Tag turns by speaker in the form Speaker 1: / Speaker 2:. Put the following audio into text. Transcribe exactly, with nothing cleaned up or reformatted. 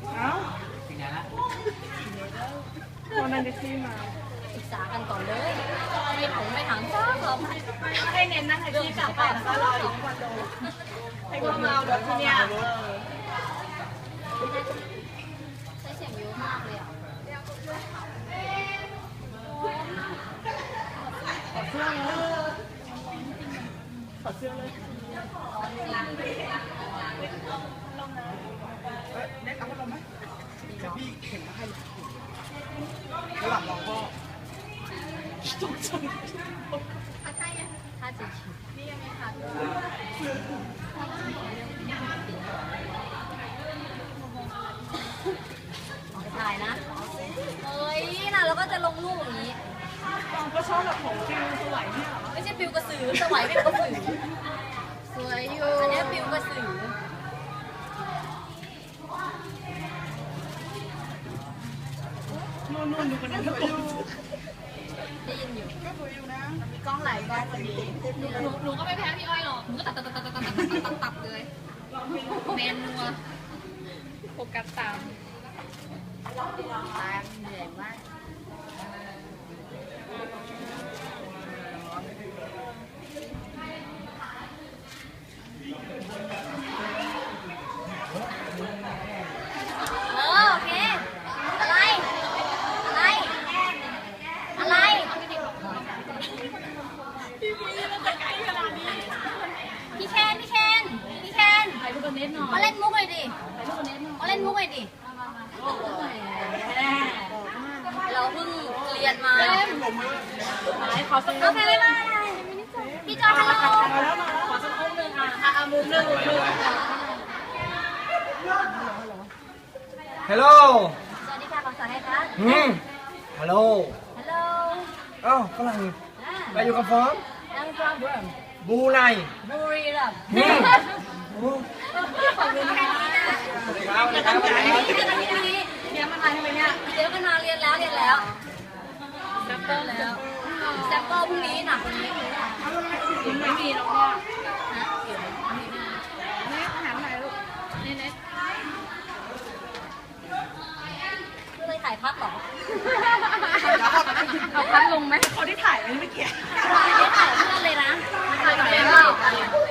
Speaker 1: เอ้า
Speaker 2: ถึงไหนละ
Speaker 1: วันนั้นที่มา
Speaker 3: ศึกษากันก่อนเลยไม่ถงไม่ถังจ้าหรอก
Speaker 1: ให้เน้นนะให้ที่กลับไปแล้วก็รออยู่ที่คอนโดให้พวกเราแบบที่เนี้ย
Speaker 3: ใช้เสียงเยอะมากเลยอ่ะ
Speaker 1: ขอเสื้อเลยขอเสื้อเลยได้กลับมาลงไหมพี่เข็นมาให้ระหว่างรอพ่อตกใจ
Speaker 3: ถ้าจะฉีดนี่ยังไม่ทันถ่ายนะเฮ้ยน่ะแล้วก็จะลงรูปอย่างนี้
Speaker 1: ก็ชอบแบบของฟิวสวยเนี่ย
Speaker 3: ไม่ใช่ปิวกระสือสวายปิวกระสือสวยอยู่อันนี้ปิวกระสือ
Speaker 1: นู่นนู่นดูกันนะทุกคน
Speaker 3: ได้ยินอยู่
Speaker 1: ก็สวยอยู่นะมีกล้องหลายกล้องพอดี
Speaker 3: หนูหนูหนูก็ไม่แพ้พี่อ้อยหรอกหนูก็ตัดตัดตัดตัดตัดตัดตัดตัดเลยแมนนัวโฟกัสตามตามเหนื่อยมากเออโอเคอะไรอะไรอะไรพี่เคนพี่เคนพี่เคนมาเล่นมุกหน่อยดิมาเล่นมุกหน่อยดิเราเพิ่งเรียนมาโอเคไม่มาพี่จอยฮัลโหล
Speaker 1: มาแล้วมาแล้วขอสักมุมหนึ่งอ่ะอ่ะมุมหนึ่งมุมหนึ่ง
Speaker 2: ฮัลโหล
Speaker 3: สวัสดีค่ะขอสวัสดีค่ะ
Speaker 2: อืมฮัลโหล
Speaker 3: ฮัลโหล
Speaker 2: อ้าวฝรั่งไปอยู่กับฟอม
Speaker 3: I'm from
Speaker 2: บูไน
Speaker 3: บุรีรัมย์
Speaker 2: อืมโอ้
Speaker 3: ขอบคุณค่ะ
Speaker 2: สวัสดีครับสวัสดีครับสวัสดีครับ
Speaker 3: เดี๋ยวมันมาทำไมเนี่ยเดี๋ยวมันมาเรียนแล้วเรียนแล้วแซมเปิลแล้วแซมเปิลพรุ่งนี้หนักกว่านี้ไม่มีแล้วก็ฮะเดี๋ยวมีนะ
Speaker 1: นี่อาหารไหนลูก
Speaker 3: เน็ตเน็ตก็เลยถ่ายพัดหรอ
Speaker 1: เอาพัดลงไหมเขาได้ถ่ายไหมเมื่อกี้
Speaker 3: ไม่ถ่ายเพื่อนเลยนะถ่ายกับเพื่อน